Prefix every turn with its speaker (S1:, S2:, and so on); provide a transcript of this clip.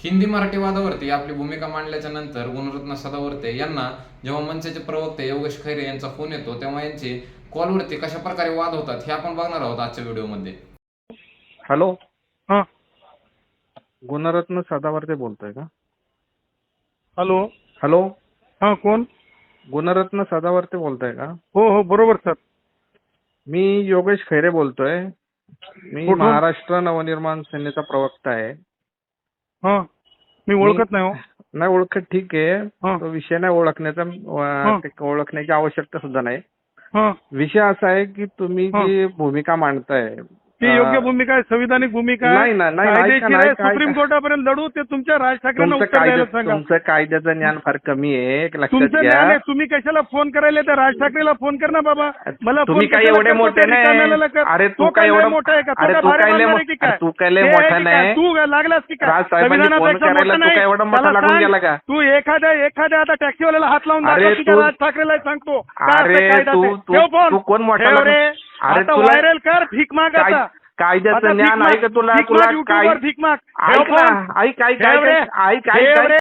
S1: हिंदी मराठी वादावरती आपली भूमिका मांडल्याच्या नंतर गुणरत्न सदावर्ते यांना जेव्हा मनसेचे प्रवक्ते योगेश खैरे यांचा फोन येतो तेव्हा यांचे कॉलवरती कशा प्रकारे वाद होतात हे आपण बघणार आहोत आजच्या व्हिडिओमध्ये.
S2: हॅलो,
S3: हा
S2: गुणरत्न सदावर्ते बोलतोय का?
S3: हॅलो.
S2: हॅलो,
S3: हा कोण?
S2: गुणरत्न सदावर्ते बोलतोय का?
S3: हो हो बरोबर सर.
S2: मी योगेश खैरे बोलतोय. मी
S3: कुठून?
S2: महाराष्ट्र नवनिर्माण सेनेचा प्रवक्ता आहे.
S3: हा मी ओळखत नाही हो.
S2: नाही ओळखत, ठीक आहे.
S3: हा.
S2: तो विषय नाही ओळखण्याचा, ओळखण्याची आवश्यकता सुद्धा नाही.
S3: हा
S2: विषय असा आहे की तुम्ही जी भूमिका मांडताय
S3: ती योग्य भूमिका आहे, संविधानिक भूमिका आहे.
S2: नाही ना, नाही,
S3: कायदेशीर
S2: ऐका ना,
S3: आहे.
S2: ऐका,
S3: सुप्रीम
S2: ऐका.
S3: कोर्टापर्यंत लढू ते तुमच्या राज ठाकरेंना उत्तर द्यायला सांगा.
S2: तुमचं कायद्याचं ज्ञान फार कमी आहे, लक्षात
S3: तुमचं
S2: घ्या.
S3: ज्ञान आहे. तुम्ही कशाला फोन करायला? त्या राज ठाकरेला फोन कर ना बाबा. मला
S2: तुम्ही
S3: फोन
S2: काय
S3: कशाला
S2: एवढे
S3: करतो?
S2: मोठे
S3: त्या
S2: नाही.
S3: रिकाम्याला कर.
S2: अरे
S3: तो
S2: तू काय
S3: लय
S2: एवढं
S3: मोठा आहे का?
S2: अरे
S3: तो
S2: तू
S3: भारी
S2: काय लय
S3: मानणार आहे की काय?
S2: तू काय लय
S3: हे
S2: मोठा
S3: आहे की काय?
S2: नाही.
S3: तू लागलास की काय?
S2: राजसाहेबांनी फोन
S3: संविधानापेक्षा
S2: करायला
S3: मोठा
S2: तू काय एवढा मोठा
S3: मला
S2: लागून
S3: सांग.
S2: गेला का?
S3: तू एखाद्या आता टॅक्सीवाल्याला हात लावून
S2: अरे
S3: दाखव की त्या
S2: तू-
S3: राज ठाकरेला सांगतो काय
S2: अरे
S3: असं कायदा
S2: तू
S3: ते.
S2: तू
S3: ठेव फोन.
S2: तू कोण मोठा
S3: ठेव रे.
S2: अरे
S3: आता
S2: तुला
S3: व्हायरल कर. भीक माग आता. आता
S2: कायद्याचं
S3: भीक
S2: ज्ञान
S3: माग.
S2: आहे का तुला?
S3: भीक
S2: तुला
S3: माग,
S2: काय
S3: YouTubeवर भीक माग. ठेव
S2: ऐक ना,
S3: फोन.
S2: ऐक ऐक
S3: ठेव रे.
S2: ऐक ऐक
S3: ठेव
S2: ऐक
S3: रे.